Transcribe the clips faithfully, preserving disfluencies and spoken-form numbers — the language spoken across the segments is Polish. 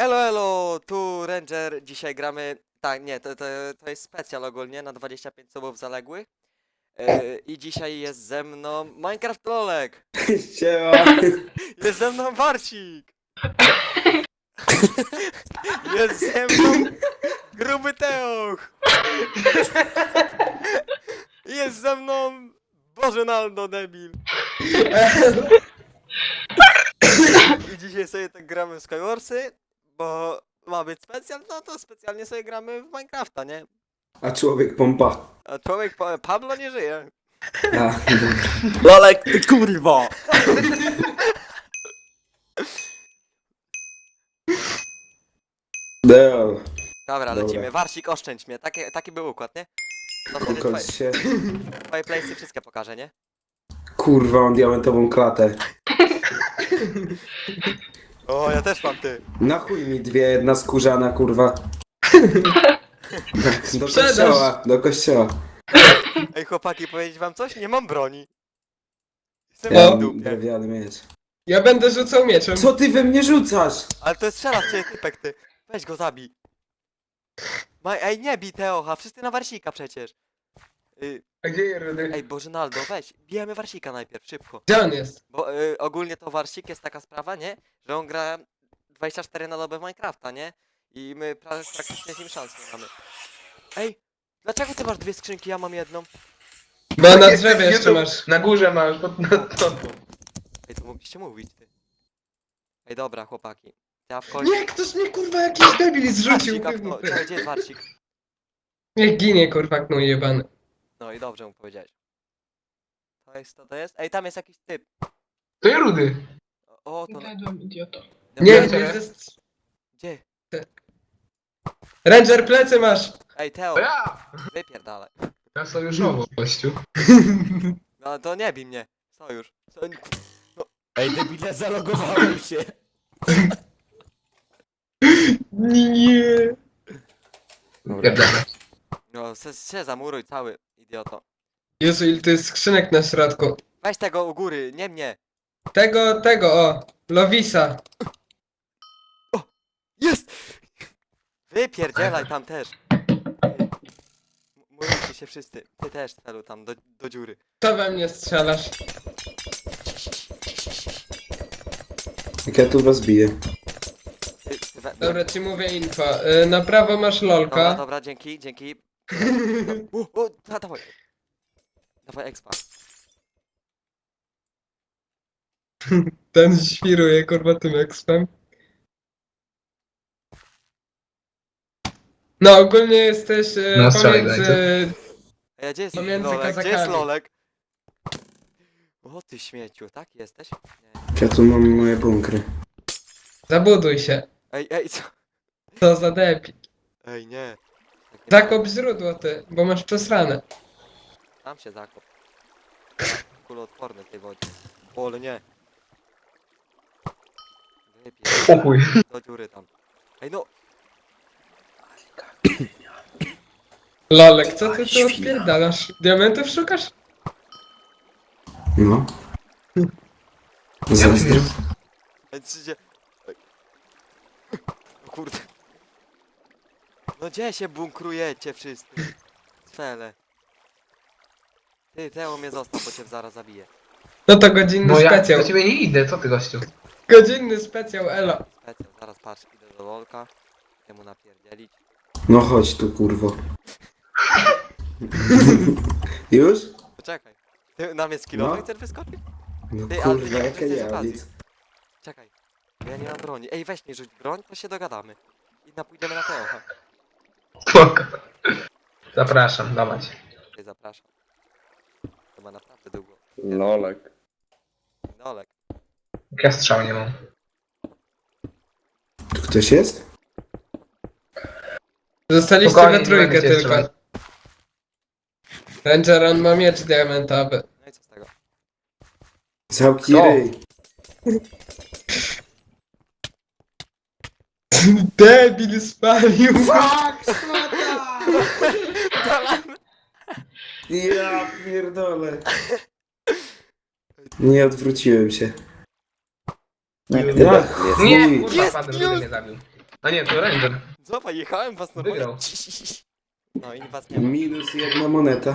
Elo, elo, tu Ranger, dzisiaj gramy, tak, nie, to, to, to jest specjal ogólnie na dwadzieścia pięć subów zaległych yy, i dzisiaj jest ze mną Minecraft Lolek, Siema. jest ze mną Warcik, jest ze mną Gruby Teoch, jest ze mną Bożenaldo debil i dzisiaj sobie tak gramy w Skywarsy, bo ma być specjal, no to specjalnie sobie gramy w Minecrafta, nie? A człowiek pompa. A człowiek, pa Pablo nie żyje. A, dobra. Lolek, ty kurwa! Deo, Dobra, Dobra. lecimy. Warsik, oszczędź mnie. Taki, taki był układ, nie? To wtedy twoje, kokos się. twoje playsy wszystkie pokażę, nie? Kurwa, mam diamentową klatę. O, ja też mam ty. Na chuj mi dwie, jedna skórzana, kurwa. Tak, do Sprzedaż. kościoła, do kościoła. Ej, chłopaki, powiedzieć wam coś? Nie mam broni. Jestem Ja w mam dupie. drewniany miecz. Ja będę rzucał mieczem. Co ty we mnie rzucasz? Ale to jest strzela w ciebie typek, ty. Weź go zabij. Ma Ej, nie bij Teocha, wszyscy na Warsika przecież. Y A gdzie jest Rudy? Ej, Bożenaldo, weź. Bijemy Warsika najpierw, szybko. Gdzie on jest? Bo y, ogólnie to Warsik jest taka sprawa, nie? Że on gra dwadzieścia cztery na dobę w Minecrafta, nie? I my pra praktycznie z nim szans nie mamy. Ej, dlaczego ty masz dwie skrzynki, ja mam jedną? Bo na drzewie jeszcze masz. Na górze masz, pod na to. Ej, to mogliście mówić, ty. Ej, dobra, chłopaki. Ja w końcu... Nie, ktoś mnie kurwa jakiś debil zrzucił. Warsik, no, czekaj, gdzie jest Warsik? Niech ginie kurwa gnój jebany. No i dobrze mu powiedziałeś. To jest, to, to jest? Ej, tam jest jakiś typ. To jest Rudy. O, to... Zjadłem, idioto. Nie, Dobra, nie, jest... Gdzie? Ranger plecy masz. Ej, Teo, To ja! wypierdalaj. Ja sojuszowo, gościu. No to nie bij mnie. Sojusz. So... Ej, debile, zalogowałem się! Nie. Pierdolę. No, se, się zamuruj cały, idioto. Jezu, ile to jest skrzynek na środku. Weź tego u góry, nie mnie. Tego, tego, o. Lowisa. Jest! Wypierdzielaj tam też. Murujcie się wszyscy. Ty też, celu tam, do, do dziury. Co we mnie strzelasz? Jak ja tu was biję. Ty, ty we... Dobra, ci mówię info. Y, Na prawo masz Dobra, lolka. dobra, dzięki, dzięki. U, u, da, dawaj. Dawaj expa. Ten świruje kurwa tym ekspem. No ogólnie jesteś y, No, strzelaj, pomiędzy... Ej, a gdzie jest Pomiędzy Lolek? Gdzie jest kazakami. Lolek? O ty śmieciu, tak jesteś? Nie. Ja tu mam moje bunkry. Zabuduj się. Ej, ej, co? Co za debil. Ej, nie. Tak nie Zakop źródło ty, bo masz przesrane. Tam się zakop. Kuloodporny tej wodzie. O, ale nie. Wypij. O chuj. Do dziury tam. Ej, no. Lolek, co ty tu odpierdalasz? Diamentów szukasz? No. Zazdro. Ej, czy gdzie... Ej. O kurde. No gdzie się bunkrujecie wszyscy? Cfele. Ty, Teo mnie został, bo cię zaraz zabiję. No to godzinny No ja specjał. do ciebie nie idę, co ty gościu? Godzinny specjał, elo. Specjal, zaraz patrz, idę do Lolka. Chcę mu napierdzielić. No chodź tu, kurwo. Już? Poczekaj. Ty na mnie skillowy No. chcesz wyskoczyć? No Ty, ale ty kurwa, nie jaka korzystaj z ja okazji. nic. Czekaj. Ja nie mam broni. Ej, weź mi rzuć broń, to się dogadamy. I na pójdziemy na Teocha. Spoko. Zapraszam, dawać. Ty, zapraszam. To ma naprawdę długo. Lolek. Dolek. Jak ja strzał nie mam. Tu ktoś jest? Zostaliście Spokojnie, we nie trójkę będę cię tylko. strzelać. Ranger, on ma miecz diamentowy. No i co z tego? Zamknij Kto? ryj. Debil spalił. Fuck, szmata! Ja pierdolę. Nie odwróciłem się. Nie, Ja nie, chuj. kurwa, Jest, padł, już. Rudy mnie zabił. A nie, to Ranger. Zobacz, jechałem was normalnie. Wygrał. No i was nie ma. Minus jedna moneta.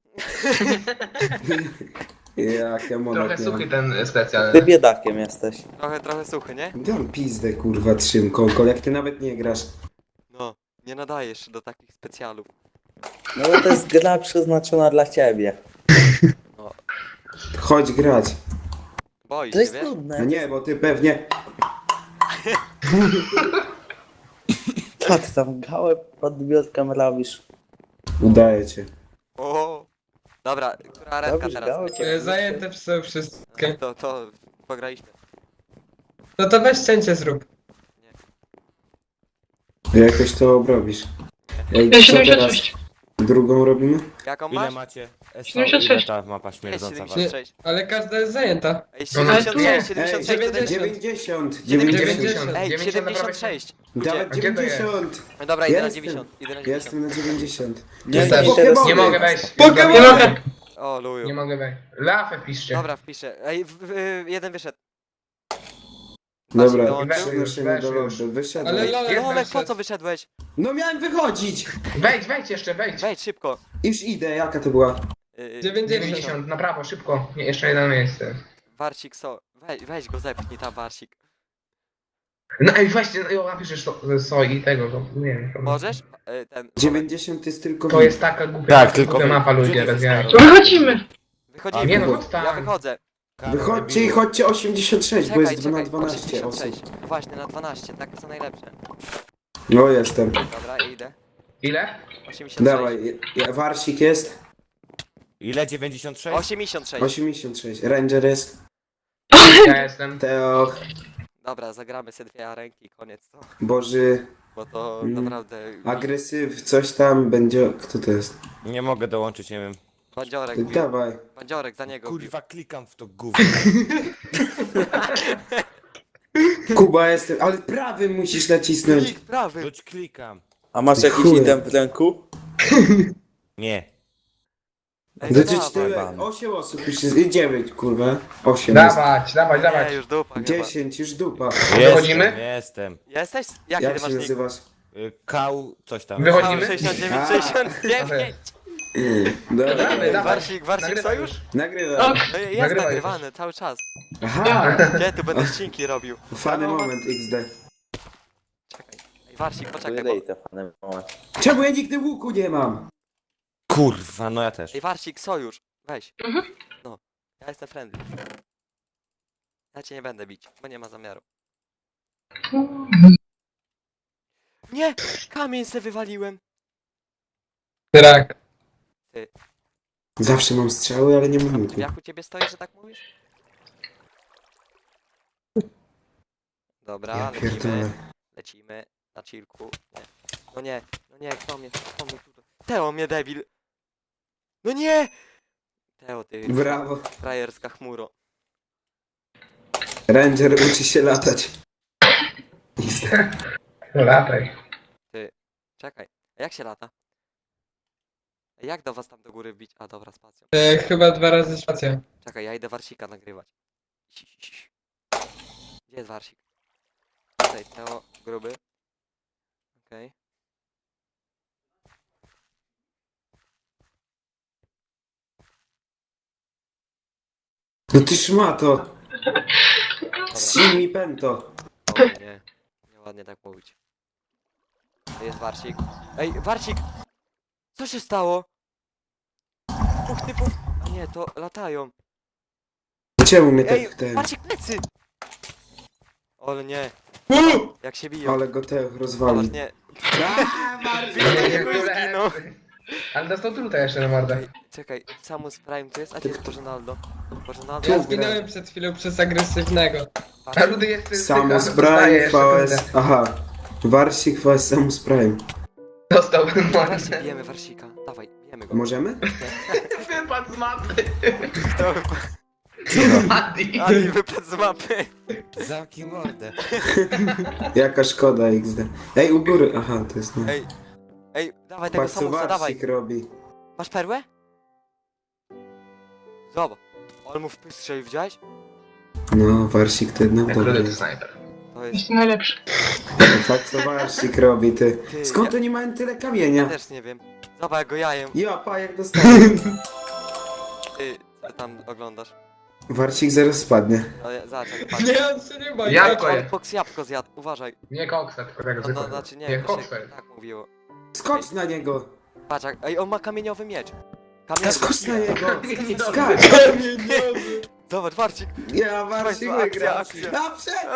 Jaka moneta. Trochę suchy ten Ty specjalny. biedakiem jesteś. Trochę, trochę suchy, nie? Dam pizdę, kurwa, trzym konkol, jak ty nawet nie grasz. No, nie nadajesz się do takich specjalów. No bo to jest gra przeznaczona dla ciebie. Chodź grać. Boisz To się, jest wiesz? No nudne. nie, bo ty pewnie... Co ty tam gałę pod biurkiem robisz? Udaje cię. O. Dobra, która ręka Robisz teraz? gałę? Lecimy. E, Zajęte są wszystkie. To, to pograliśmy. No to weź cięcie zrób. Jakoś to obrobisz. Ej, Ja co teraz? siedemdziesiąt sześć. Drugą robimy? Jaką Ile masz? macie? S O, siedemdziesiąt ile sześć. ta mapa Ej, śmierdząca wasza? siedemdziesiąt sześć. Ale każda jest zajęta. Ej, No, siedemdziesiąt sześć, Ej, siedemdziesiąt sześć, to jest... dziewięćdziesiąt, dziewięćdziesiąt. dziewięćdziesiąt. Ej, dziewięćdziesiąt siedemdziesiąt sześć. Dawaj A gdzie to jest? dziewięćdziesiąt. No dobra, idę na Jestem. dziewięćdziesiąt. Idę na dziewięćdziesiąt. Jestem na dziewięćdziesiąt. Nie, Ja To też. są nie Pokemony. Nie mogę wejść. Pokémon! Nie mogę. O, luju. Nie mogę wejść. Lafę piszcie. Dobra, wpiszę. Ej, w, w, jeden wyszedł. Dobra, dołączył? przenosimy do Weszł już. lądu. Wyszedłem. Ale Lolek Jest Lolek, po wyszedł. co wyszedłeś? No miałem wychodzić! Wejdź, wejdź jeszcze, wejdź. Wejdź, szybko. Już idę, jaka to była? Yy, dziewięćdziesiąt. dziewięćdziesiąt, na prawo, szybko. Nie, jeszcze jedno miejsce. Warsik, so. Weź, weź go zepchnij tam, Warsik. No ej, weźcie, no, napiszesz to, so i tego, to, nie wiem. To, Możesz? Yy, ten. dziewięćdziesiąt jest tylko... to jest taka głupia, Tak, taka tylko głupia wy- mapa, ludzie, gdzie ty bez jaj. jesteś? Wychodzimy. Wychodzimy. Nie no, chodź Ja tam. wychodzę. Wychodźcie i chodźcie osiemdziesiąt sześć, bo Czekaj, jest na czekaj. dwanaście osób. osiemdziesiąt sześć. Właśnie, na dwanaście. Takie są najlepsze. No jestem. Dobra, idę. Ile? osiemdziesiąt sześć. Dawaj, ja- Warsik jest. Ile? dziewięćdziesiąt sześć? osiemdziesiąt sześć. osiemdziesiąt sześć. Ranger jest. Ja jestem. Teo. Dobra, zagramy sobie dwie ręki, koniec to. Boży. Bo to Mm. naprawdę... Agresyw, coś tam będzie... Kto to jest? Nie mogę dołączyć, nie wiem. Bandziorek, bił. Dawaj. Bandziorek, za niego bił. Kurwa, klikam w to gówno. Kuba jestem, ale prawym musisz nacisnąć. Klik prawy. Rzuć klikam. A masz jakiś item w ręku? Nie. Ej, Do no tyle, dawaj. dawaj. osiem osób już jest, i dziewięć kurwa, osiem jest. Dawać, dawać, Nie, dawać. już dupa chyba. dziesięć, już dupa. Wychodzimy? Jestem, jestem. Jesteś? Jaki Jak ty się masz nick? nazywasz? Y, Kał, coś tam. Wychodzimy? sześćdziesiąt dziewięć, A. sześćdziesiąt dziewięć. Dobra, Dawaj, dawaj. Warsik, Warsik Nagrywaj sojusz? już. nagrywam. No jest Nagrywaj nagrywany cały czas. Aha, Gdzie tu będę ścinki robił? fany No, moment X D. Czekaj. Ej, Warsik, poczekaj, bo... Wydaj te fany moment. Czemu ja nigdy łuku nie mam? Kurwa, no ja też. Ej, Warsik, sojusz. Weź. Mhm. No. Ja jestem friendly. Ja cię nie będę bić, bo nie ma zamiaru. Nie! Kamień se wywaliłem. Drak. Zawsze mam strzały, ale nie mam łuku. Jak u ciebie stoi, że tak mówisz? Dobra, Ja lecimy. pierdolę. Lecimy na chillku. Nie. No nie, no nie, kto mnie, kto mnie tutaj? Teo mnie debil! No nie! Teo, ty Brawo. frajerska chmuro. Ranger uczy się latać. X D. No lataj. Czekaj, a jak się lata? A jak do was tam do góry wbić? A dobra, spacją. E, chyba dwa razy spacja. Czekaj, ja idę Warsika nagrywać. Si, si, si. Gdzie jest Warsik? Tutaj, Teo, gruby. Okej. No ty szmato. Dobra. Zsin mi pento. O nie, nieładnie tak mówić. To jest Warsik. Ej, Warsik! Co się stało? Dwóch typów... A nie, to latają. Czemu mnie Ej, tak w ten... Warsik plecy! O nie, jak się biją. Ale go Teo Zobacz, rozwali. nie. Nie, nie, Zginął. Ale dostał truta jeszcze na mordę. Ej, czekaj, Samus Prime tu jest, a gdzie jest Bożenaldo? Bożenaldo? Ja Tu zginąłem przed chwilą przez agresywnego. A Rudy jest... Samus dostaje Prime, jeszcze V S... trutę. Aha. Warsik V S Samus Prime. Dostał Dawajcie, mordę. bijemy Warsika. Dawaj, bijemy go. Możemy? Wypadł z mapy. Kto? Mati. Adi wypadł z mapy. Zamknij mordę. Jaka szkoda X D. Ej, u góry. Aha, to jest... No. Ej, ej, dawaj tego Patrz co Samusa, dawaj. Warsik robi. Masz perłę? Zobacz. On mu w pysk strzelił, widziałeś? No, Warsik to jednak Jak dobry Rudy to jest. snajper. To powiedz. Jestem najlepszy. Fakt co Warsik robi, ty. Ty, Skąd ja- oni mają tyle Ja kamienia? też nie wiem. Zobacz, jak go jajem. Ja, pa, jak dostałem. Ty, co tam oglądasz? Warsik zaraz spadnie. No, ja- zobacz, jak patrz. Nie, on się nie ma. Ja nie. to On jest. boks jabłko zjadł, uważaj. Nie koksa, tylko tego No, no, zwykłego. znaczy nie, Nie, to się koksa. tak mówiło. Skocz na niego! Patrz, jak, ej, on ma kamieniowy miecz. Kamieniowy. Skocz na niego! Nie, Skacz! Kamieniowy. Zobacz, Warcik. Ja, Warsik Akcja, wygra! akcja. A, przed!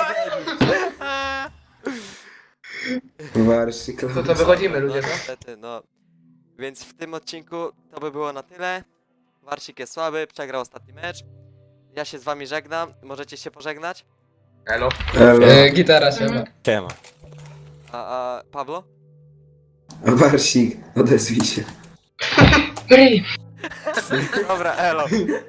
Warsik, To to wychodzimy, No ludzie, no? niestety, no. Więc w tym odcinku to by było na tyle. Warsik jest słaby, przegrał ostatni mecz. Ja się z wami żegnam. Możecie się pożegnać. Elo. Elo. E, gitara się ma. Siema. A, a Pablo? Warsik, odezwij się. Ryj. Dobra, elo.